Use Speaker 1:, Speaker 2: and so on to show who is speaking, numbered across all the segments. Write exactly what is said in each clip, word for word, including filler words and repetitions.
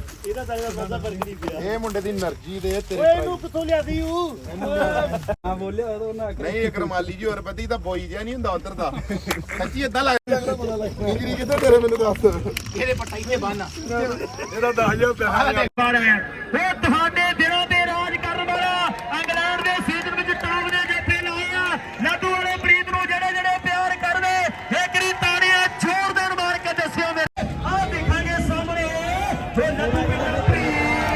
Speaker 1: ਇਹਦਾ ਤਾਂ ਸਾਦਾ ਫਰਕ ਨਹੀਂ ਪਿਆ
Speaker 2: ਇਹ ਮੁੰਡੇ ਦੀ એનર્ਜੀ ਦੇ ਤੇਰੇ
Speaker 1: ਓਏ ਇਹਨੂੰ ਕਿੱਥੋਂ ਲਿਆਦੀ ਹੂੰ
Speaker 3: ਆ ਬੋਲਿਆ ਉਹ ਨਾ
Speaker 2: ਨਹੀਂ ਇੱਕ ਰਮਾਲੀ ਜੀ ਹੋਰ ਪਤੀ ਤਾਂ ਬੋਈ ਜਿਆ ਨਹੀਂ ਹੁੰਦਾ ਉਧਰ ਦਾ ਸੱਚੀ ਇਦਾਂ ਲੱਗਦਾ ਇੰਜਰੀ ਕਿੱਥੇ ਤੇਰੇ ਮੈਨੂੰ ਦੱਸ
Speaker 1: ਇਹਦੇ ਪੱਟਾ ਇੱਥੇ ਬੰਨ
Speaker 2: ਇਹਦਾ ਦਸ ਹਜ਼ਾਰ ਪੈਸਾ
Speaker 1: ਉਹ ਤੁਹਾਡੇ ਦਿਲਾਂ ਤੇ ਰਾਜ ਕਰਨ ਵਾਲਾ ਇੰਗਲੈਂਡ ਦੇ ਸੀਜ਼ਨ ਵਿੱਚ ਟੌਪ ਦੇ ਜੱਫੇ ਲਾਏ ਆ ਲੱਡੂ ਵਾਲੇ ਪ੍ਰੀਤ ਨੂੰ ਜਿਹੜੇ ਜਿਹੜੇ ਪਿਆਰ ਕਰਦੇ ਇੱਕ ਰੀ ਤਾੜੀਆਂ ਜ਼ੋਰ ਦੇਣ ਮਾਰ ਕੇ ਦੱਸਿਓ ਮੇਰੇ ਆਹ ਦੇਖਾਂਗੇ ਸਾਹਮਣੇ ਜੋ ਲੱਡੂ ਵਾਲੇ ਪ੍ਰੀਤ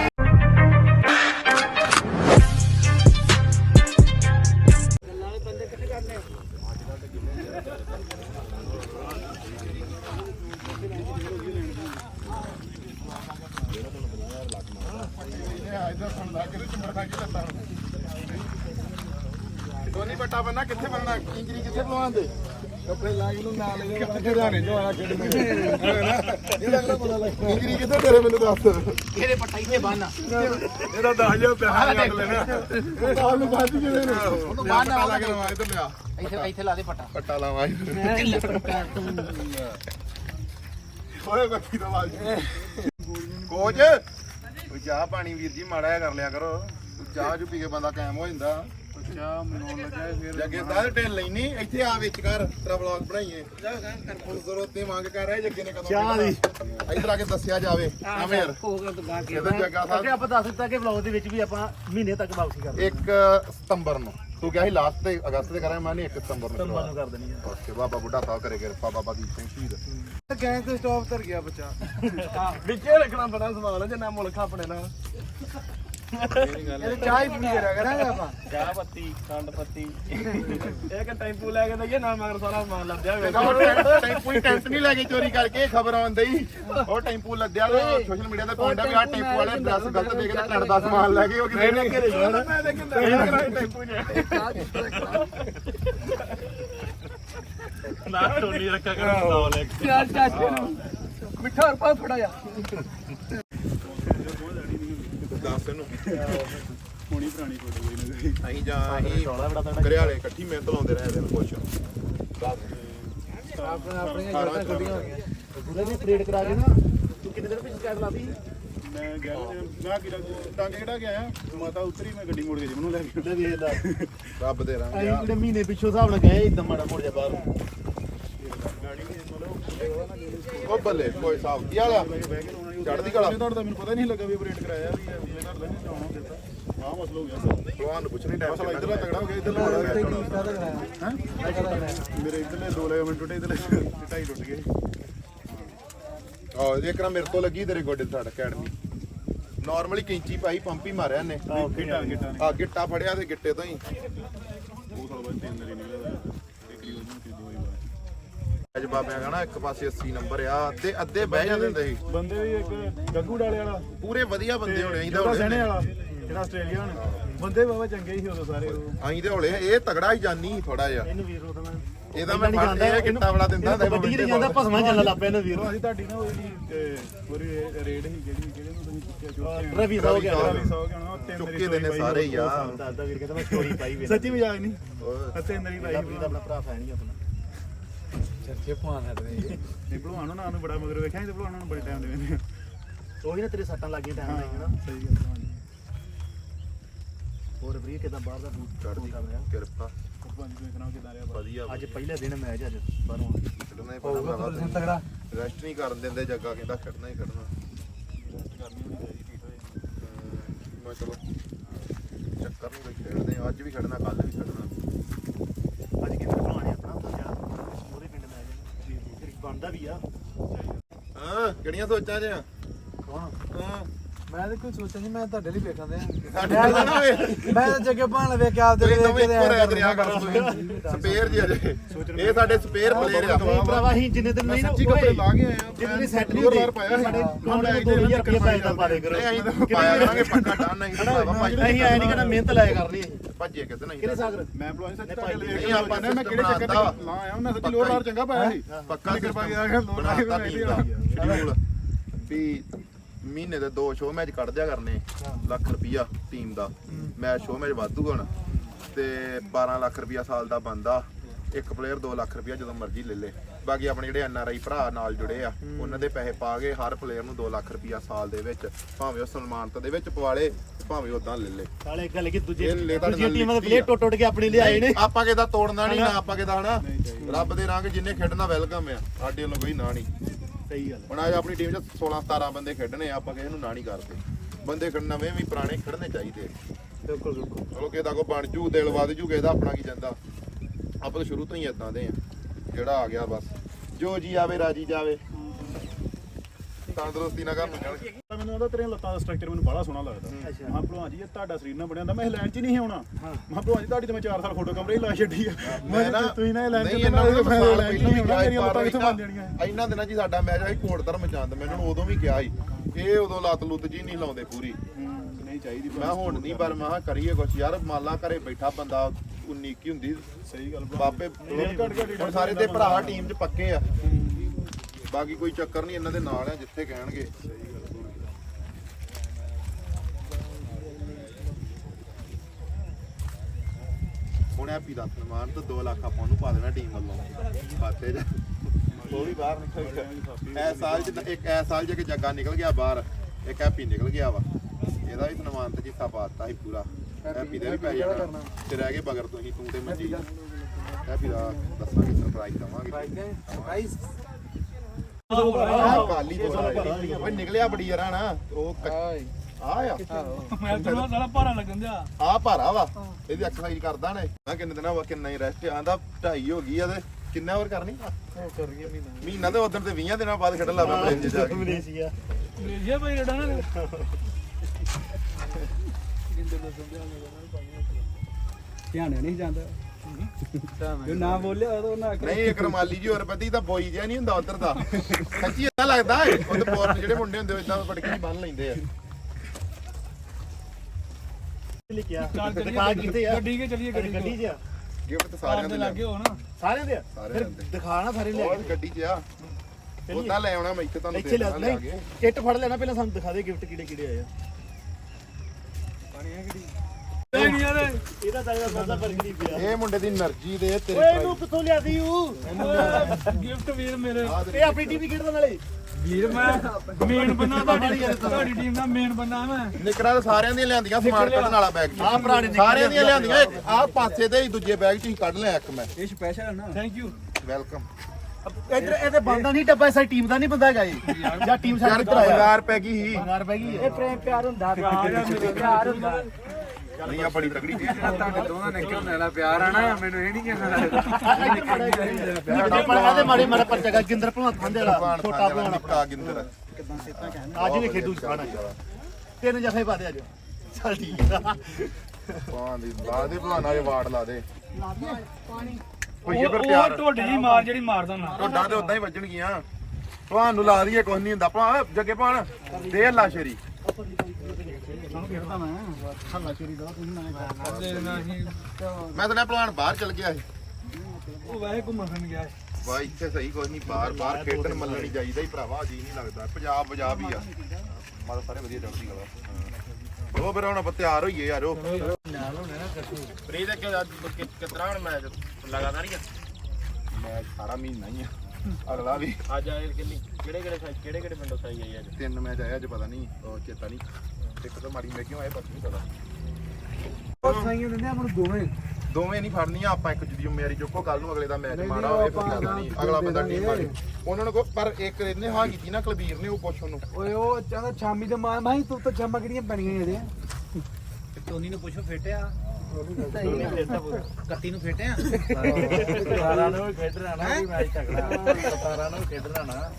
Speaker 1: ਗੱਲਾਂ ਦੇ ਬੰਦੇ ਇਕੱਠੇ ਕਰਨੇ
Speaker 2: ਦੋਨੀ ਬੱਟਾ ਬੰਨਾ ਕਿੱਥੇ ਬੰਨਣਾ ਇੰਜਰੀ ਕਿੱਥੇ ਪਲਵਾਨ ਦੇ
Speaker 3: ਕੱਪੜੇ ਲਾ ਕੇ ਨੂੰ ਨਾਲ ਲੈ ਕੇ ਕਿੱਥੇ ਜਾਣੇ ਜੋ ਆਇਆ ਖੇਡਣੇ ਇਹਦਾ ਕਿਹੜਾ ਪਤਾ ਲੱਗਦਾ
Speaker 2: ਇੰਜਰੀ ਕਿੱਥੇ ਤੇਰੇ ਮੈਨੂੰ ਦੱਸ
Speaker 1: ਇਹਦੇ ਪੱਟਾ ਇੱਥੇ ਬੰਨ
Speaker 2: ਇਹਦਾ ਦਸ ਹਜ਼ਾਰ ਪੈਸਾ ਲੱਗ ਲੈਣਾ
Speaker 3: ਆਹ ਨੂੰ ਬਾਜੀ ਕਿਵੇਂ ਨੇ
Speaker 2: ਉਹਨੂੰ ਬਾਹਰ ਨਾ ਲਾ ਕੇ ਲਵਾ ਇੱਧਰ ਲਿਆ
Speaker 1: ਇੱਥੇ ਇੱਥੇ ਲਾ ਦੇ ਪੱਟਾ
Speaker 2: ਪੱਟਾ ਲਾਵਾ ਓਏ ਬੱਤੀ ਦਾ ਵਾਜ ਕੋਚ ਕੋਈ ਚਾਹ ਪਾਣੀ ਵੀਰ ਜੀ ਮਾੜਾ ਜਿਹਾ ਕਰ ਲਿਆ ਕਰੋ ਚਾਹ ਜੂ ਪੀ ਕੇ ਬੰਦਾ ਕਾਇਮ ਹੋ ਜਾਂਦਾ
Speaker 3: ਚਾਹ ਮਨਾਉਣ ਲੱਗਾ ਫਿਰ
Speaker 2: ਜੱਗੇ ਦਾ ਢਿੱਲ ਲੈਣੀ ਇੱਥੇ ਆ ਵਿੱਚ ਕਰ ਤੇਰਾ ਵਲੌਗ ਬਣਾਈਏ ਜ਼ਰੂਰਤ ਤੇ ਮੰਗ ਕਰ ਰਿਹਾ ਜੱਗੇ ਨੇ ਕਦੋਂ
Speaker 1: ਚਾਹ ਦੀ
Speaker 2: ਇੱਧਰ ਆ ਕੇ ਦੱਸਿਆ ਜਾਵੇ ਐਵੇਂ ਯਾਰ
Speaker 1: ਹੋਗਾ ਤਾਂ ਗਾ ਕੇ
Speaker 2: ਇਹਦਾ ਜੱਗਾ ਸਾਹਿਬ
Speaker 1: ਆਪਾਂ ਦੱਸ ਦਿੱਤਾ ਕਿ ਵਲੌਗ ਦੇ ਵਿੱਚ ਵੀ ਆਪਾਂ ਮਹੀਨੇ ਤੱਕ ਵਾਪਸੀ ਕਰਦੇ
Speaker 2: ਇੱਕ ਸਤੰਬਰ ਨੂੰ ਤੂੰ ਕਿਹਾ ਸੀ ਲਾਸਟ ਤੇ ਅਗਸਤ ਤੇ ਕਰਾਂਗੇ ਮੈਂ ਨਹੀਂ ਇੱਕ ਸਤੰਬਰ ਨੂੰ
Speaker 1: ਸਤੰਬਰ ਨੂੰ ਕਰ ਦੇਣੀ ਆ
Speaker 2: ਓਕੇ ਬਾਬਾ ਬੁੱਢਾ ਸਾਹਿਬ ਕਰੇ ਕਿਰਪਾ ਬਾਬਾ ਦੀਪ ਸਿੰਘ ਸ਼ਹੀਦ
Speaker 3: ਗੈਂਗ ਤੋਂ ਸਟਾਪ ਧਰ ਗਿਆ ਬੱਚਾ ਵਿੱਚੇ ਰੱਖਣਾ ਬੜਾ ਸਮਾਨ ਜਿੰਨਾ ਮੁਲਕ ਆਪਣੇ ਨਾਲ ਇਹ ਚਾਹ ਹੀ ਪੀ ਕੇ ਰਹਿ ਕਰਾਂਗੇ ਆਪਾਂ
Speaker 1: ਚਾਹ ਪੱਤੀ ਖੰਡ ਪੱਤੀ
Speaker 3: ਇੱਕ ਟੈਂਪੂ ਲੈ ਕੇ ਦਈਏ ਨਾ ਮਗਰ ਸਾਰਾ ਸਮਾਨ ਲੱਦਿਆ ਹੋਵੇ
Speaker 2: ਟੈਂਪੂ ਹੀ ਟੈਂਟ ਨਹੀਂ ਲੈ ਕੇ ਚੋਰੀ ਕਰਕੇ ਖਬਰ ਆਉਂਦੀ ਉਹ ਟੈਂਪੂ ਲੱਦਿਆ ਸੋਸ਼ਲ ਮੀਡੀਆ ਤੇ ਪਾਉਂਦਾ ਵੀ ਆ ਟੈਂਪੂ ਵਾਲੇ ਡਰੈਸ ਗਲਤ ਦੇ ਕੇ ਤੇ ਟੈਂਟ ਦਾ ਸਮਾਨ ਲੈ ਕੇ ਉਹ ਕਿਤੇ ਨੇ ਘਰੇ ਜਾਣਾ
Speaker 3: ਮੈਂ ਤੇ ਕਿੰਨਾ ਟੈਂਪੂ
Speaker 1: ਨਾ ਟੋਲੀ ਰੱਖਾ ਕਰ ਸੌ ਲੈ
Speaker 3: ਯਾਰ ਚਾਚੇ ਨੂੰ ਮਿੱਠਾ ਰਪਾ ਫੜਾ ਜਾ
Speaker 2: ਦੱਸ ਇਹਨੂੰ
Speaker 3: ਹੋਣੀ ਪੁਰਾਣੀ ਫੋਟੋ ਕੋਈ ਨਾ
Speaker 2: ਅਸੀਂ ਜਾਂ ਅਸੀਂ
Speaker 1: ਚੌੜਾ ਬੜਾ ਤੜਾ
Speaker 2: ਘਰੇ ਵਾਲੇ ਇਕੱਠੀ ਮਿਹਨਤ ਲਾਉਂਦੇ ਰਹੇ ਦਿਨ ਕੁਛ
Speaker 3: ਆਪਣੇ ਆਪਣੀਆਂ ਜਗ੍ਹਾ ਕੱਢੀਆਂ ਹੋਈਆਂ
Speaker 1: ਪੂਰੇ ਨੇ ਪਰੇਡ ਕਰਾ ਕੇ ਨਾ ਤੂੰ ਕਿੰਨੇ ਦਿਨ ਪਿੱਛੇ ਸਟਾਰਟ ਲਾਤੀ
Speaker 3: ਮੈਂ ਗਿਆ ਮੈਂ ਕਿਹੜਾ ਟੰਗ ਕਿਹੜਾ ਗਿਆ ਮਾਤਾ ਉਤਰੀ ਮੈਂ ਗੱਡੀ ਮੋੜ ਕੇ ਜੀ ਮੈਨੂੰ ਲੈ ਕੇ
Speaker 1: ਤੇ ਵੇਖ ਲੈ
Speaker 2: ਰੱਬ ਦੇ ਰੰਗ
Speaker 1: ਅਸੀਂ
Speaker 2: ਆ
Speaker 1: ਜਿਹੜੇ ਮਹੀਨੇ ਪਿੱਛੋਂ ਹਿਸਾਬ ਨਾਲ ਗਏ ਇਦਾਂ ਮਾੜਾ ਮੋੜ ਜਾ ਬਾਹਰ
Speaker 3: ਗਾੜੀ ਮਤਲਬ
Speaker 2: ਉਹ ਬੱਲੇ ਕੋਈ ਹਿਸਾਬ ਕੀ ਹਾਲ ਆ ਚੜ੍ਹਦੀ ਕਲਾ
Speaker 3: ਤੁਹਾਡਾ ਮੈਨੂੰ ਪਤਾ ਨਹੀਂ ਲੱਗਾ ਵੀ ਆਪਰੇਟ ਕਰਾਇਆ ਵੀ ਮੈਂ ਘਰ ਲੈਣੇ ਜਾਣਾ ਦਿੱਤਾ ਆਹ ਮਸਲਾ ਹੋ ਗਿਆ
Speaker 2: ਭਲਵਾਨ ਨੂੰ ਪੁੱਛਣੀ ਟਾਈਮ
Speaker 3: ਮਸਲਾ ਇਧਰਲਾ ਤਗੜਾ ਹੋ ਗਿਆ ਇਧਰਲਾ ਹੈ ਮੇਰੇ ਇਧਰਲੇ ਦੋ ਲਿਗਾਮੈਂਟ ਟੁੱਟੇ ਇਧਰਲੇ ਢਾਈ ਟੁੱਟ ਗਏ
Speaker 2: ਆ ਇੱਕ ਨਾ ਮੇਰੇ ਤੋਂ ਲੱਗੀ ਤੇਰੇ ਗੋਡੇ ਤੇ ਸੱਟ ਅਕੈਡਮੀ ਨਾਰਮਲੀ ਕੈਂਚੀ ਪਾਈ ਪੰਪ ਹੀ ਮਾਰਿਆ ਨੇ
Speaker 3: ਗਿੱਟਾ ਗਿੱਟਾ
Speaker 2: ਆ ਗਿੱਟਾ ਫੜਿਆ ਤੇ ਗਿੱਟੇ ਤੋਂ ਹੀ
Speaker 3: ਉਹ ਸਾਲ ਬਾਅਦ ਤਿੰਨ ਦਿਨ ਨਿਕਲਿਆ ਇੱਕ ਯੂਜ਼ ਨੂੰ ਕਿਦੋਂ ਹੋਈ
Speaker 2: ਅੱਜ ਬਾਬਿਆਂ ਕਹਣਾ ਇੱਕ ਪਾਸੇ ਅੱਸੀ ਨੰਬਰ ਆ ਅੱਧੇ ਅੱਧੇ ਬਹਿ ਜਾਂਦੇ ਹੁੰਦੇ ਸੀ
Speaker 3: ਬੰਦੇ ਵੀ ਇੱਕ ਗੱਗੂ ਡਾਲੇ ਵਾਲਾ
Speaker 2: ਪੂਰੇ ਵਧੀਆ ਬੰਦੇ ਹੋਣੇ ਅਸੀਂ ਤਾਂ
Speaker 3: ਜਿਹੜਾ ਸਹਿਣੇ
Speaker 2: ਹੋਣੇ
Speaker 3: ਵਾਲਾ ਜਿਹੜਾ ਆਸਟ੍ਰੇਲੀਆ ਹੁਣ ਬੰਦੇ ਬਾਬਾ ਚੰਗੇ ਹੀ ਉਦੋਂ ਸਾਰੇ ਉਹ
Speaker 2: ਅਸੀਂ ਤੇ ਹੌਲੇ ਇਹ ਤਗੜਾ ਹੀ ਜਾਨੀ ਥੋੜਾ ਜਿਹਾ
Speaker 1: ਇਹਨੂੰ ਵੀਰ ਉਹ ਤਾਂ ਮੈਂ
Speaker 2: ਇਹਦਾ ਮੈਂ ਫੜ ਇਹ ਕਿੱਟਾ ਵਾਲਾ ਦਿੰਦਾ ਹੁੰਦਾ
Speaker 1: ਵੱਡੀ ਨਹੀਂ ਜਾਂਦਾ ਭਸਮਾ ਚੱਲਣ ਲੱਗ ਪਿਆ ਇਹਨੂੰ ਵੀਰ
Speaker 3: ਅਸੀਂ ਤੁਹਾਡੀ ਨਾ ਉਹ ਜਿਹੜੀ ਪੂਰੀ ਰੇਡ ਹੀ ਜਿਹੜੀ ਕਿਹੜੇ ਨੂੰ ਤੁਸੀਂ ਚੁੱਕਿਆ ਚੁੱਕਿਆ
Speaker 1: ਰਵੀ ਸੌ ਗਿਆ
Speaker 3: ਰਵੀ ਸੌ ਗਿਆ ਨਾ ਤਿੰਨ
Speaker 2: ਚੁੱਕੇ ਦੇ ਨੇ ਸਾਰੇ ਹੀ ਆ
Speaker 1: ਦਾਦਾ ਵੀਰ ਕਹਿੰਦਾ ਮੈਂ ਸਟੋਰੀ ਪਾਈ ਵੀ
Speaker 3: ਸੱਚੀ ਮਜ਼ਾਕ ਨਹੀਂ
Speaker 2: ਓਏ,
Speaker 3: ਤਿੰਨ ਦਿਨ
Speaker 1: ਦਾ
Speaker 3: ਪਾਈ
Speaker 1: ਆਪਣਾ ਭਰਾ ਫੈਨ ਹੀ ਆਪਣਾ
Speaker 3: ਚਰਚੇ ਭਾਣ ਹੱਟਦੇ ਇਹ ਭਲਵਾਨ ਉਹਨਾਂ ਨੂੰ ਬੜਾ ਮਗਰ ਵੇਖਿਆ ਤੇ ਭਲਵਾਨਾਂ ਨੂੰ ਬੜੇ ਟਾਈਮ ਦੇ ਵੇਨੇ
Speaker 1: ਉਹੀ ਨਾ ਤੇਰੇ ਸੱਟਾਂ ਲੱਗੀ ਟਾਈਮ ਨਾਲ ਹੈਨਾ
Speaker 3: ਸਹੀ ਗੱਲ
Speaker 1: ਹੋਰ ਵੀਰ ਕਿਦਾਂ ਬਾਹਰ ਦਾ ਬੂਟ
Speaker 2: ਚੜ੍ਹਦੀ
Speaker 1: ਕਰ ਰਿਹਾ
Speaker 2: ਕਿਰਪਾ
Speaker 3: ਕੁਰਬਾਨੀ ਨੂੰ ਵੇਖਣਾ ਕਿਦਾਂ ਰਿਹਾ
Speaker 2: ਵਧੀਆ
Speaker 1: ਅੱਜ ਪਹਿਲੇ ਦਿਨ ਮੈਚ ਅੱਜ ਬਾਹਰੋਂ
Speaker 2: ਖੇਡਣਾ ਹੀ ਪੈਣਾ
Speaker 3: ਤਗੜਾ
Speaker 2: ਰੈਸਟ ਨਹੀਂ ਕਰਨ ਦਿੰਦੇ ਜੱਗਾ ਕਹਿੰਦਾ ਖੇਡਣਾ ਹੀ ਖੇਡਣਾ
Speaker 3: ਕਰਨੀ ਹੋਣੀ ਚਾਹੀਦੀ ਠੀਕ ਹੋਏ
Speaker 2: ਮੈਂ ਚਲੋ ਚੱਕਰ ਨਹੀਂ ਕੋਈ ਖੇਡਦੇ ਆ, ਅੱਜ ਵੀ ਖੇਡਣਾ ਕੱਲ ਵੀ ਖੇਡਣਾ
Speaker 1: ਅੱਜ ਕਿਵੇਂ ਬਣਾਉਣੇ ਆਪਣਾ ਤਾਂ ਜਾ ਉਹਦੇ ਪਿੰਡ ਮੈਚ ਬਣਦਾ ਵੀ ਆ
Speaker 2: ਹਾਂ ਕਿਹੜੀਆਂ ਸੋਚਾਂ 'ਚ ਆ
Speaker 1: ਕੌਣ
Speaker 2: ਹਾਂ
Speaker 3: ਮੈਂ ਤਾਂ ਕੋਈ ਸੋਚਿਆ ਨਹੀਂ ਮੈਂ ਤੁਹਾਡੇ ਲਈ ਵੇਖਣ ਦੇ
Speaker 2: ਸਾਡੇ ਨਾਲ ਨਾ ਹੋਏ
Speaker 3: ਮੈਂ ਤਾਂ ਜੱਗੇ ਭਾਣ ਵੇਖ ਕੇ ਆਪਦੇ
Speaker 2: ਤੁਸੀਂ
Speaker 3: ਵੇਖ
Speaker 2: ਦੋਵੇਂ
Speaker 3: ਕੇ
Speaker 2: ਇੱਕੋ ਰਹਿ ਦਰਿਆ ਕਰ ਸਪੇਅਰ ਜੀ ਅਜੇ ਇਹ ਸਾਡੇ ਸਪੇਅਰ ਪਲੇਅਰ ਆ
Speaker 1: ਨਹੀਂ ਭਰਾਵਾ ਅਸੀਂ ਜਿੰਨੇ ਦਿਨ ਨਹੀਂ ਨਾ
Speaker 2: ਸੱਚੀ ਕੱਪੜੇ ਲਾ ਕੇ ਆਏ ਆ
Speaker 1: ਜਿੰਨੇ ਦਿਨ ਸੈੱਟ ਨਹੀਂ
Speaker 2: ਦੋ
Speaker 1: ਹੋਏ
Speaker 2: ਵਾਰ ਪਾਇਆ ਸੀ
Speaker 1: ਸਾਡੇ
Speaker 2: ਹੁਣ
Speaker 1: ਦੋ ਹਜ਼ਾਰ ਰੁਪਏ ਪੈਸੇ ਦਾ ਪਾ ਦੇ ਕਰੋ
Speaker 2: ਨਹੀਂ ਅਸੀਂ ਤਾਂ ਪਾਇਆ ਕਰਾਂਗੇ ਪੱਕਾ ਡਾਨ ਨਹੀਂ ਭਰਾਵਾ ਭਾਈ
Speaker 1: ਅਸੀਂ ਐ ਨਹੀਂ ਕਹਿੰਦਾ ਮਿਹਨਤ ਲਾਇਆ ਕਰਨੀ ਅਸੀਂ
Speaker 2: ਭੱਜੇ ਕਿਤੇ ਨਹੀਂ
Speaker 1: ਕਿਹੜੇ ਸਾਗਰ
Speaker 3: ਮੈਂ ਭਲਵਾਨ ਸੱਚ
Speaker 2: ਨਹੀਂ,
Speaker 3: ਨਹੀਂ
Speaker 2: ਆਪਾਂ
Speaker 3: ਆਪਾਂ ਨੇ ਮੈਂ ਕਿਹੜੇ ਚੱਕਰ ਤੇ ਲਾ ਆਇਆ ਉਹਨਾਂ ਸੱਚ ਲੋਰ ਲਾਰ ਚੰਗਾ ਪਾਇਆ ਸੀ
Speaker 2: ਪੱਕਾ
Speaker 3: ਕਿਰਪਾ ਕੀਤਾ ਕਿ ਲੋਰ ਲਾ ਕੇ
Speaker 2: ਬਣਾਤਾ ਟੀਮ ਦਾ ਸ਼ਡਿਊਲ ਵੀ ਮਹੀਨੇ ਦੇ ਦੋ ਸ਼ੋਅ ਮੈਚ ਕੱਢ ਦਿਆ ਕਰਨੇ ਲੱਖ ਰੁਪਿਆ ਟੀਮ ਦਾ ਮੈਚ ਸ਼ੋਅ ਮੈਚ ਵਾਧੂ ਹੁਣ ਤੇ ਬਾਰਾਂ ਲੱਖ ਰੁਪਿਆ ਸਾਲ ਦਾ ਬੰਦਾ ਇੱਕ ਪਲੇਅਰ ਦੋ ਲੱਖ ਰੁਪਿਆ ਜਦੋਂ ਮਰਜ਼ੀ ਲੈ ਲੇ ਬਾਕੀ ਆਪਣੇ ਜਿਹੜੇ ਐਨ ਆਰ ਆਈ ਭਰਾ ਨਾਲ ਜੁੜੇ ਆ ਉਹਨਾਂ ਦੇ ਪੈਸੇ ਪਾ ਕੇ ਹਰ ਪਲੇਅਰ ਨੂੰ ਦੋ ਲੱਖ ਰੁਪਇਆ ਸਾਲ ਦੇ ਵਿੱਚ ਭਾਵੇਂ ਉਹ ਸਨਮਾਨਤ ਦੇ ਵਿੱਚ ਪਵਾਲੇ ਭਾਵੇਂ ਉਦਾਂ ਲੈ ਲੈ
Speaker 1: ਸਾਲੇ ਇੱਕ ਗੱਲ ਕਿ ਦੂਜੇ
Speaker 2: ਇਹ ਲੈ ਤੁਹਾਡੇ
Speaker 1: ਦੂਜੀਆਂ
Speaker 2: ਨਾਲ
Speaker 1: ਟੀਮਾਂ ਦੇ
Speaker 2: ਲਿਖਤੀ
Speaker 1: ਪਲੇਅਰ
Speaker 2: ਆ।
Speaker 1: ਟੁੱਟ ਟੁੱਟ ਕੇ ਆਪਣੇ ਲਈ ਆਏ ਨੇ
Speaker 2: ਆਪਾਂ ਕਿਹਦਾ ਤੋੜਨਾ ਨਹੀਂ ਨਾ ਆਪਾਂ ਕਿਹਦਾ ਹਨਾ ਰੱਬ ਦੇ ਰੰਗ ਜਿੰਨੇ ਖੇਡਣਾ ਵੈਲਕਮ ਆ ਸਾਡੇ ਵੱਲੋਂ ਕੋਈ ਨਾ ਨਹੀਂ
Speaker 1: ਸਹੀ ਗੱਲ
Speaker 2: ਹੁਣ ਅੱਜ ਆਪਣੀ ਟੀਮ 'ਚ ਸੋਲਾਂ ਸਤਾਰਾਂ ਬੰਦੇ ਖੇਡਣੇ ਆ, ਆਪਾਂ ਕਿਸੇ ਨੂੰ ਨਾ ਨਹੀਂ ਕਰਦੇ ਬੰਦੇ ਖੇਡ ਨਵੇਂ ਵੀ ਪੁਰਾਣੇ ਖੇਡਣੇ ਚਾਹੀਦੇ
Speaker 1: ਬਿਲਕੁਲ ਬਿਲਕੁਲ
Speaker 2: ਚਲੋ ਕਿਸੇ ਦਾ ਕੋਈ ਬਣ ਜੂ ਦਿਲ ਵੱਧ ਜੂ ਕਿਸੇ ਦਾ ਆਪਣਾ ਕੀ ਜਾਂਦਾ ਆਪਾਂ ਤਾਂ ਸ਼ੁਰੂ ਤੋਂ ਹੀ ਇਦਾਂ ਦੇ ਆ ਜਿਹੜਾ ਆ ਗਿਆ ਬਸ ਜੋ ਜੀ ਆਵੇ ਰਾਜੀ ਜਾਵੇ ਤੰਦਰੁਸਤੀ ਨਾਲ ਕੰਮ ਚੱਲ
Speaker 3: ਮੈਨੂੰ ਉਹਦਾ ਤੇਰੀਆਂ ਲੱਤਾਂ ਦਾ ਸਟਰਕਚਰ ਮੈਨੂੰ ਬੜਾ ਸੋਹਣਾ ਲੱਗਦਾ ਮੈਂ ਭਲਵਾਨ ਜੀ ਇਹ ਤੁਹਾਡਾ ਸਰੀਰ ਨਾਲ ਬਣਿਆ ਹੁੰਦਾ ਮੈਂ ਲੈਣ 'ਚ ਹੀ ਨਹੀਂ ਆਉਣਾ ਮੈਂ ਭਲਵਾਨ ਜੀ ਤੁਹਾਡੀ ਤੇ ਮੈਂ ਚਾਰ ਸਾਲ ਫੋਟੋ ਕਮਰੇ ਹੀ ਲਾ ਛੱਡੀ ਆ ਮੈਂ ਨਾ ਤੁਸੀਂ ਨਾ ਲੈਣ 'ਚ
Speaker 2: ਨਹੀਂ ਇਹਨਾਂ ਨੂੰ ਸਾਲ ਪਹਿਲਾਂ ਵੀ ਕਿਹਾ ਮੇਰੀਆਂ ਲੱਤਾਂ ਕਿੱਥੋਂ ਬਣ ਜਾਣੀਆਂ ਇਹਨਾਂ ਦਿਨਾਂ 'ਚ ਸਾਡਾ ਮੈਚ ਆਈ ਕੋਟ ਧਰਮ ਚੰਦ ਮੈਂ ਇਹਨਾਂ ਨੂੰ ਉਦੋਂ ਵੀ ਕਿਹਾ ਸੀ ਇਹ ਉਦੋਂ ਲੱਤ ਲੁੱਤ ਜੀ ਨਹੀਂ ਲਾਉਂਦੇ ਪੂਰੀ
Speaker 3: ਨਹੀਂ ਚਾਹੀਦੀ
Speaker 2: ਮੈਂ ਹੁਣ ਨਹੀਂ ਪਰ ਮੈਂ ਕਿਹਾ ਕਰੀਏ ਕੁਛ ਯਾਰ ਮਾਲਾ ਘਰੇ ਬੈਠਾ ਬੰਦਾ ਉਨੀ ਕੀ ਹੁੰਦੀ
Speaker 3: ਸਹੀ ਗੱਲ
Speaker 2: ਬਾਬੇ ਹੁਣ ਸਾਰੇ ਤੇ ਭਰਾ ਟੀਮ 'ਚ ਪੱਕੇ ਆ ਬਾਕੀ ਕੋਈ ਚੱਕਰ ਨਹੀਂ ਇਹਨਾਂ ਦੇ ਨਾਲ ਆ ਜਿੱਥੇ ਕਹਿਣਗੇ ਹੁਣ ਹੈਪੀ ਦਾ ਸਨਮਾਨ ਤਾਂ ਦੋ ਲੱਖ ਆਪਾਂ ਨੂੰ ਪਾ ਦੇਣਾ ਟੀਮ ਵੱਲੋਂ ਖਾਤੇ 'ਚ ਉਹ ਵੀ ਬਾਹਰ ਨਿਕਲ ਗਿਆ ਐ ਸਾਲ 'ਚ ਇੱਕ ਐ ਸਾਲ 'ਚ ਕਿ ਜੱਗਾ ਨਿਕਲ ਗਿਆ ਬਾਹਰ ਇੱਕ ਹੈਪੀ ਨਿਕਲ ਗਿਆ ਵਾ ਇਹਦਾ ਵੀ ਸਨਮਾਨ ਤੇ ਜਿੱਥਾ ਪਾਤਾ ਸੀ ਪੂਰਾ ਹੈਪੀ ਦੇ ਵੀ ਪੈ ਜਾਣਾ ਤੇ ਰਹਿ ਗਏ ਬਗਰ ਤੁਸੀਂ ਤੂੰ ਤੇ ਮੱਜੀ ਹੈਪੀ ਦਾ ਦੱਸਾਂਗੇ ਸਰਪ੍ਰਾਈਜ਼ ਦਵਾਂਗੇ ਸਰਪ੍ਰਾਈਜ਼ ਕਾਲੀ ਬੋਲਾ ਓਏ ਨਿਕਲਿਆ ਬੜੀ ਯਾਰ ਨਾ ਉਹ ਆ ਆ
Speaker 4: ਮੈਂ ਤੈਨੂੰ ਸਾਰਾ ਭਾਰਾ ਲੱਗਣ ਦਿਆ
Speaker 2: ਆ ਭਾਰਾ ਵਾ ਇਹਦੀ ਐਕਸਰਸਾਈਜ਼ ਕਰਦਾ ਨੇ ਮੈਂ ਕਿੰਨੇ ਦਿਨਾਂ ਵਾ ਕਿੰਨਾ ਹੀ ਰੈਸਟ ਆਂਦਾ ਢਾਈ ਹੋ ਗਈ ਆ ਤੇ ਕਿੰਨਾ ਹੋਰ ਕਰਨੀ
Speaker 3: ਕਰ ਗਿਆ ਮਹੀਨਾ
Speaker 2: ਮਹੀਨਾ ਤੇ ਉਦੋਂ ਤੇ ਵੀਹ ਦਿਨਾਂ ਬਾਅਦ ਖੇਡਣ ਲੱਗ ਪਿਆ ਪਲੇਨ 'ਚ ਜਾ ਕੇ
Speaker 1: ਮਲੇਸ਼ੀਆ
Speaker 4: ਮਲੇਸ਼ੀਆ ਭਾਈ ਰੜਾ ਨਾ ਧਿਆਨ ਨਹੀਂ ਜਾਂਦਾ ਜੋ ਨਾ ਬੋਲਿਆ ਉਹ ਨਾ
Speaker 2: ਨਹੀਂ ਇੱਕ ਰਮਾਲੀ ਜੀ ਹੋਰ ਪਤੀ ਤਾਂ ਬੋਈ ਜਿਆ ਨਹੀਂ ਹੁੰਦਾ ਉਧਰ ਦਾ ਸੱਚੀ ਏਦਾਂ ਲੱਗਦਾ ਏ ਉਹਦੇ ਪੋਰ ਜਿਹੜੇ ਮੁੰਡੇ ਹੁੰਦੇ ਉਹ ਇਦਾਂ ਪਟਕੀ ਬੰਨ ਲੈਂਦੇ ਆ
Speaker 1: ਲਿਖਿਆ
Speaker 4: ਚੱਲ ਚੱਲੀਏ
Speaker 1: ਦਿਖਾ ਕਿੱਥੇ ਆ
Speaker 4: ਗੱਡੀ ਕੇ ਚੱਲੀਏ ਗੱਡੀ
Speaker 1: ਗੱਡੀ 'ਚ ਆ
Speaker 2: ਗਿਫਟ ਤਾਂ ਸਾਰਿਆਂ ਦੇ
Speaker 4: ਲੱਗੇ ਹੋ ਨਾ
Speaker 1: ਸਾਰਿਆਂ ਦੇ ਆ?
Speaker 2: ਸਾਰਿਆਂ
Speaker 1: ਫਿਰ
Speaker 2: ਦੇ।
Speaker 1: ਦਿਖਾਣਾ ਸਾਰੇ ਲੈ
Speaker 2: ਉਹ
Speaker 1: ਕੇ
Speaker 2: ਗੱਡੀ 'ਚ ਆ ਉਦਾਂ ਲੈ ਆਉਣਾ ਮੈਂ ਇੱਥੇ ਤੁਹਾਨੂੰ
Speaker 1: ਇੱਥੇ
Speaker 2: ਦੇ
Speaker 1: ਲੈ
Speaker 2: ਦੇਣਾ ਲਿਆ
Speaker 1: ਨਹੀਂ
Speaker 2: ਕੇ
Speaker 1: ਕਿੱਟ ਫੜ ਲੈਣਾ ਪਹਿਲਾਂ ਸਾਨੂੰ ਦਿਖਾ ਦੇ ਗਿਫਟ ਕਿਹੜੇ ਕਿਹੜੇ ਆਏ ਆ
Speaker 4: ਨਹੀਂ ਯਾਰ
Speaker 1: ਇਹਦਾ ਤਾਂ ਸੌਦਾ ਫਰਕ ਨਹੀਂ ਪਿਆ
Speaker 2: ਇਹ ਮੁੰਡੇ ਦੀ એનર્ਜੀ ਦੇ ਤੇਰੇ
Speaker 1: ਓਏ ਇਹਨੂੰ ਕਿੱਥੋਂ ਲਿਆਦੀ ਉਹ
Speaker 4: ਗਿਫਟ ਵੀਰ ਮੇਰੇ
Speaker 1: ਇਹ ਆਪਣੀ ਟੀਮ ਹੀ ਖੇਡਣ ਵਾਲੇ
Speaker 4: ਵੀਰ ਮੈਂ ਮੇਨ ਬੰਦਾ ਤੁਹਾਡੀ ਤੁਹਾਡੀ ਟੀਮ ਦਾ ਮੇਨ ਬੰਦਾ ਮੈਂ
Speaker 2: ਨਿਕਰਾਂ ਤਾਂ ਸਾਰਿਆਂ ਦੀਆਂ ਲਿਆਂਦੀਆਂ ਸਮਾਨ ਕੱਢਣ ਵਾਲਾ ਬੈਗ
Speaker 1: ਆਹ ਭਰਾ ਨੇ ਨਿਕਲ
Speaker 2: ਸਾਰਿਆਂ ਦੀਆਂ ਲਿਆਂਦੀਆਂ ਆਹ ਪਾਸੇ ਤੇ ਹੀ ਦੂਜੇ ਬੈਗ 'ਚ ਹੀ ਕੱਢ ਲਿਆ ਇੱਕ ਮੈਂ
Speaker 4: ਇਹ ਸਪੈਸ਼ਲ ਹੈ ਨਾ ਥੈਂਕ ਯੂ
Speaker 2: ਵੈਲਕਮ
Speaker 1: ਇੱਧਰ ਇਹਦੇ ਬੰਦਾ ਨਹੀਂ ਡੱਬਾ ਸਾਡੀ ਟੀਮ ਦਾ ਨਹੀਂ ਬੰਦਾ ਹੈਗਾ ਇਹ ਜਾਂ ਟੀਮ
Speaker 2: ਯਾਰ
Speaker 1: ਸਾਡੀ ਕਿੱਧਰ ਆਇਆ
Speaker 2: ਹਜ਼ਾਰ ਪੈ ਗਈ ਸੀ
Speaker 1: ਹਜ਼ਾਰ ਪੈ ਗਈ
Speaker 4: ਇਹ ਪ੍ਰੇਮ ਪਿਆਰ ਹੁੰਦਾ ਪਿਆਰ ਹੁੰਦਾ
Speaker 2: ਨਹੀਂ ਆ ਬੜੀ ਤਕੜੀ ਚੀਜ਼
Speaker 5: ਤੁਹਾਡੇ ਦੋਵਾਂ ਨੇ ਕਿਉਂ ਮੇਰਾ ਪਿਆਰ ਆ ਨਾ ਮੈਨੂੰ ਇਹ ਨਹੀਂ ਕਹਿਣਾ
Speaker 1: ਇਹਦੇ ਮਾੜੇ ਮਾੜੇ ਪਰਚਾ ਕਰ ਗਿੰਦਰ ਭਲਵਾਨ ਖਾਂਦੇ ਵਾਲਾ ਛੋਟਾ ਭਲਵਾਨ
Speaker 2: ਨਿੱਕਾ ਗਿੰਦਰ
Speaker 1: ਅੱਜ ਵੀ ਖੇਡੂ ਖਾਣਾ ਤਿੰਨ ਜਫੇ ਪਾ ਦੇ ਅੱਜ ਚੱਲ ਠੀਕ ਆ
Speaker 2: ਪਾਂ ਦੀ ਲਾ ਦੇ ਭਲਾਣਾ ਇਹ ਵਾਰਡ ਲਾ ਦੇ ਹੋਈਏ ਫਿਰ
Speaker 4: ਉਹ
Speaker 2: ਪਿਆਰ
Speaker 4: ਢੋਡੀ ਦੀ ਮਾਰ ਜਿਹੜੀ ਮਾਰਦਾ ਨਾ
Speaker 2: ਟੋਡਾ ਤੇ ਉਦਾਂ ਹੀ ਵੱਜਣਗੀਆਂ ਭਲਾਣ ਨੂੰ ਲਾ ਦਈਏ ਕੁਝ ਨਹੀਂ ਹੁੰਦਾ ਭਲਾ ਜੱਗੇ ਭਾਣ ਦੇ ਲਾ ਸ਼ੇਰੀ
Speaker 1: ਸਾਨੂੰ ਖੇਡਦਾ ਮੈਂ ਹੱਲਾ ਚੋਰੀ ਦਾ ਤੁਸੀਂ ਨਾ
Speaker 2: ਮੈਂ ਤਾਂ ਭਲਾਣ ਬਾਹਰ ਚਲ ਗਿਆ ਸੀ
Speaker 4: ਉਹ ਵੈਸੇ ਘੁੰਮਣ ਫਿਰਨ ਗਿਆ
Speaker 2: ਵਾ ਇੱਥੇ ਸਹੀ ਕੁਝ ਨਹੀਂ ਬਾਹਰ ਬਾਹਰ ਖੇਡਣ ਮੱਲਣੀ ਚਾਹੀਦਾ ਹੀ ਭਰਾਵਾ ਜੀ ਨਹੀਂ ਲੱਗਦਾ ਪੰਜਾਬ ਪੰਜਾਬ ਹੀ ਆ ਮਾਤਾ ਸਾਰੇ ਵਧੀਆ ਚੜ੍ਹਦੀ ਕਲਾ ਉਹ ਫਿਰ ਹੁਣ ਆਪਾਂ ਤਿਆਰ ਹੋਈਏ ਯਾਰੋ ਪ੍ਰੀਤ ਕਿ ਕਿਤਨਾ ਮੈਚ ਲਗਾਤਾਰ ਹੀ ਆ ਮੈਚ ਸਾਰਾ ਮਹੀਨਾ ਹੀ ਆ ਅਗਲਾ ਵੀ
Speaker 5: ਅੱਜ ਆਏ ਕਿੰਨੀ ਕਿਹੜੇ ਕਿਹੜੇ ਕਿਹੜੇ ਕਿਹੜੇ ਪਿੰਡੋਂ ਸਾਈ ਆਈ ਅੱਜ
Speaker 2: ਤਿੰਨ ਮੈਚ ਆਏ ਅੱਜ ਪਤਾ ਨਹੀਂ ਉਹ ਚੇਤਾ ਨਹੀਂ ਇੱਕ ਤਾਂ ਮਾਰੀ ਮੈਂ ਕਿਉਂ ਆਏ ਪਤਾ ਨਹੀਂ ਪਤਾ
Speaker 4: ਉਹ ਸਾਈਆਂ ਦਿੰਦੇ ਆਪਾਂ ਨੂੰ ਦੋਵੇਂ
Speaker 2: ਦੋਵੇਂ ਨਹੀਂ ਫੜਨੀਆਂ ਆਪਾਂ ਇੱਕ ਜ਼ਿੰਮੇਵਾਰੀ ਚੁੱਕੋ ਕੱਲ ਨੂੰ ਅਗਲੇ ਦਾ ਮੈਚ ਮਾੜਾ ਹੋਵੇ ਫਿਰ ਫਾਇਦਾ ਨਹੀਂ ਅਗਲਾ ਬੰਦਾ ਟੀਮ ਵਾਲੇ ਉਹਨਾਂ ਨੂੰ ਕੋ ਪਰ ਇੱਕ ਇਹਨੇ ਹਾਂ ਕੀਤੀ ਨਾ ਕੁਲਬੀਰ ਨੇ ਉਹ ਪੁੱਛ ਉਹਨੂੰ
Speaker 4: ਓਏ ਉਹ ਚਾਹਦਾ ਸ਼ਾਮੀ ਤੇ ਮਾਰ ਮੈਂ ਤੂੰ ਤਾਂ ਸ਼ਾਮਾਂ ਕਿਹੜੀਆਂ ਪੈਣੀਆਂ ਇਹਦੇ
Speaker 5: ਟੋਨੀ ਨੂੰ ਪੁੱਛੋ ਫੇਟਿਆ ਕੱਤੀ ਨੂੰ ਫੇਟਿਆ
Speaker 1: ਸਤਾਰਾਂ ਨੂੰ ਖੇਡਣਾ ਨਾ ਵੀ ਮੈਚ ਤਕੜਾ ਸਤਾਰਾਂ ਨੂੰ ਖੇਡਣਾ ਨਾ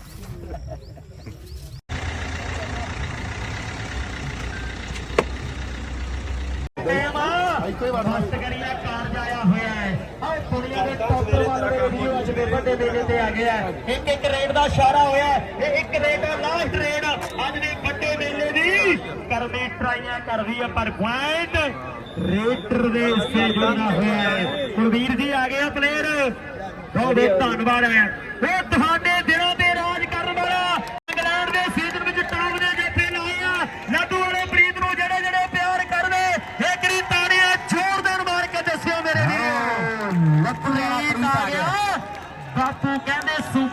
Speaker 2: ਇੱਥੇ ਵੜਨਾ
Speaker 1: ਕਰੀਆ ਕਾਰਜ ਆਇਆ ਹੋਇਆ ਹੈ ਆਹ ਦੁਨੀਆ ਦੇ ਟੌਪਰ ਵਾਲੇ ਵੀਡੀਓ ਅੱਜ ਦੇ ਵੱਡੇ ਮੇਲੇ ਤੇ ਆ ਗਿਆ ਇੱਕ ਇੱਕ ਰੇਡ ਦਾ ਇਸ਼ਾਰਾ ਹੋਇਆ ਇਹ ਇੱਕ ਰੇਡ ਲਾਸਟ ਰੇਡ ਅੱਜ ਦੇ ਵੱਡੇ ਮੇਲੇ ਦੀ ਕਰਦੀ ਟਰਾਈਆਂ ਕਰਦੀ ਹੈ ਪਰ ਪੁਆਇੰਟ ਰੇਟਰ ਦੇ ਹਿੱਸੇ ਜੁੜਨਾ ਹੋਇਆ ਹੈ ਕੁਲਵੀਰ ਜੀ ਆ ਗਏ ਪਲੇਅਰ ਬਹੁਤ ਬਹੁਤ ਧੰਨਵਾਦ ਹੈ ਉਹ ਤੁਹਾਡੇ ਦਿਲਾਂ ਤੇ ਰਾਜ ਕਰਨ ਵਾਲਾ ਇੰਗਲੈਂਡ ਦੇ ਸੀਜ਼ਨ ਵਿੱਚ ਟਾਪ ਦੇ ਜੱਫੇ ਲਾਏ ਆ ਲੱਡੂ ਵਾਲੇ ਪ੍ਰੀਤ ਨੂੰ ਜਿਹੜੇ ਜਿਹੜੇ ਪਿਆਰ ਕਰਦੇ ਇੱਕ ਰੀ ਤਾੜੀਆਂ ਜ਼ੋਰਦਾਰ ਮਾਰ ਕੇ ਦੱਸਿਓ ਮੇਰੇ ਵੀਰੋ ਪ੍ਰੀਤ ਆ ਗਿਆ ਬਾਪੂ ਕਹਿੰਦੇ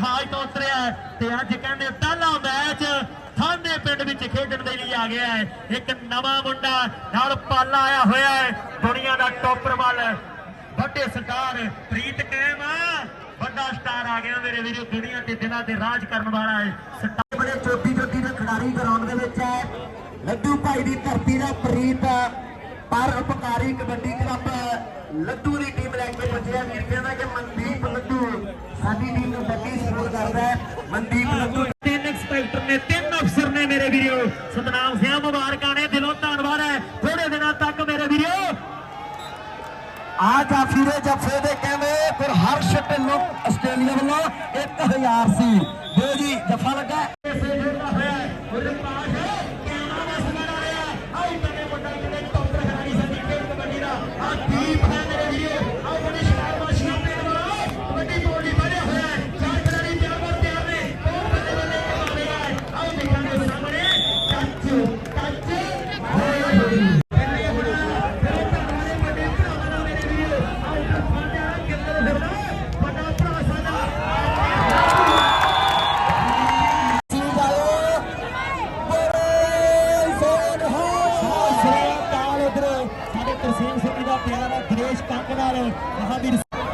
Speaker 1: ਜਹਾਜ਼ ਤੋਂ ਉਤਰਿਆ ਹੈ ਤੇ ਅੱਜ ਕਹਿੰਦੇ ਪਹਿਲਾ ਮੈਚ ਥਾਨੇ ਪਿੰਡ ਵਿੱਚ ਖੇਡਣ ਦੇ ਲਈ ਆ ਗਿਆ ਹੈ। ਇੱਕ ਨਵਾਂ ਮੁੰਡਾ ਨਾਲ ਪਾਲਾ ਆਇਆ ਹੋਇਆ ਹੈ, ਦੁਨੀਆ ਦਾ ਟੋਪਰ ਵੱਲ ਵੱਡੇ ਸਟਾਰ ਪ੍ਰੀਤ ਕੈਮ ਵੱਡਾ ਸਟਾਰ ਆ ਗਿਆ ਮੇਰੇ ਵੀਰੋ, ਦੁਨੀਆ ਤੇ ਦਿਨਾਂ ਤੇ ਰਾਜ ਕਰਨ ਵਾਲਾ ਹੈ। ਸਟਾਰ ਬੜੇ ਚੋਟੀ ਚੋਟੀ ਦੇ ਖਿਡਾਰੀ ਗਰਾਊਂਡ ਦੇ ਵਿੱਚ ਹੈ। ਲੱਡੂ ਭਾਈ ਦੀ ਧਰਤੀ ਦਾ ਪ੍ਰੀਤ ਪਰ ਉਪਕਾਰੀ ਕਬੱਡੀ ਕਲੱਬ ਲੱਡੂ ਦੀ ਟੀਮ ਲੈ ਕੇ ਪਹੁੰਚਿਆ। ਵੀਰ ਕਹਿੰਦਾ ਕਿ ਮਨਦੀਪ ਲੱਡੂ ਸਾਡੀ ਟੀਮ ਨੂੰ ਵੱਡੀ ਸਪੋਰਟ ਕਰਦਾ ਹੈ। ਮਨਦੀਪ ਲੱਡੂ ਤਿੰਨ ਇੰਸਪੈਕਟਰ ਨੇ, ਤਿੰਨ ਅਫਸਰ ਨੇ ਮੇਰੇ ਵੀਰੋ। ਸਤਨਾਮ ਸਿੰਘ ਮੁਬਾਰਕਾਂ ਨੇ, ਦਿਲੋਂ ਧੰਨਵਾਦ ਹੈ। ਥੋੜੇ ਦਿਨਾਂ ਤੱਕ ਮੇਰੇ ਵੀਰੋ ਆ ਜਾਫੀਰੇ ਜਫੇ ਦੇ ਕਹਿੰਦੇ ਫਿਰ ਹਰਸ਼ ਢਿੱਲੋਂ ਆਸਟ੍ਰੇਲੀਆ ਵੱਲੋਂ ਇੱਕ ਹਜ਼ਾਰ ਸੀ। ਦਿਓ ਜੀ ਜਫਾ ਲੱਗਾ ਇਸੇ ਜੁੜਦਾ ਹੋਇਆ ਉਹਦੇ ਪਾਸ ਕਿਆਨਾ ਦਾ ਸਮਾਂ ਆ ਰਿਹਾ। ਆਈ ਕੰਨੇ ਮੁੰਡਾ ਕਿਤੇ ਟੌਪਰ ਖਿਡਾਰੀ ਸਾਡੀ ਖੇਡ ਕਬੱਡੀ ਦਾ ਆ ਦੀਪ ਹੈ ਮੇਰੇ ਵੀਰੋ। ਆਓ ਬੜੀ ਸ਼ਾਬਾਸ਼ੀਆਂ ਦੇਣ ਵਾਲਾ ਕਬੱਡੀ ਬੋਲੀ ਬਣਿਆ ਹੋਇਆ ਹੈ। ਚਾਰ ਖਿਡਾਰੀ ਤਿਆਰ ਬਰ ਤਿਆਰ ਨੇ, ਬਹੁਤ ਬੱਲੇ ਬੱਲੇ ਕਰ ਰਿਹਾ ਹੈ। ਆਓ ਦੇਖਾਂਗੇ ਸਾਹਮਣੇ ਟੱਚ ਟੱਚ ਹੋਏ ਹੋਏ ਤਰਸੇਮ ਸਿੰਘ ਦਾ ਪਿਆਰਾ ਗ੍ਰੇਸ਼ ਕੰਕ ਨਾਲ ਮਹਾਵੀਰ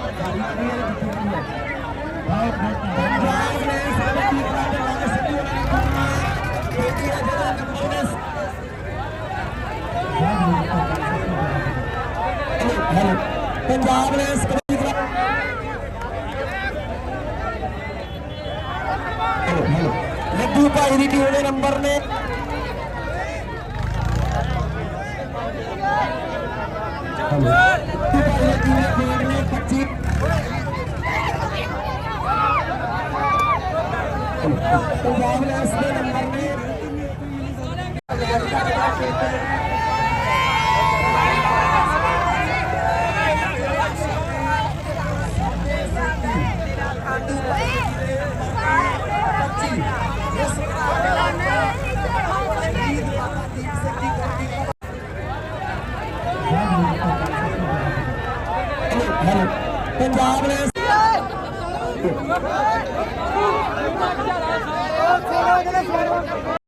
Speaker 1: ਪੰਜਾਬ ਨੇ ਲੱਡੂ ਭਾਈ ਦੀ ਟੀਮ ਦੇ ਨੰਬਰ ਨੇ ਪੰਜਾਬ ਨੇ ਇਸ ਦੇ ਨੰਬਰ ਨੇ ਪੰਜਾਬ ਨੇ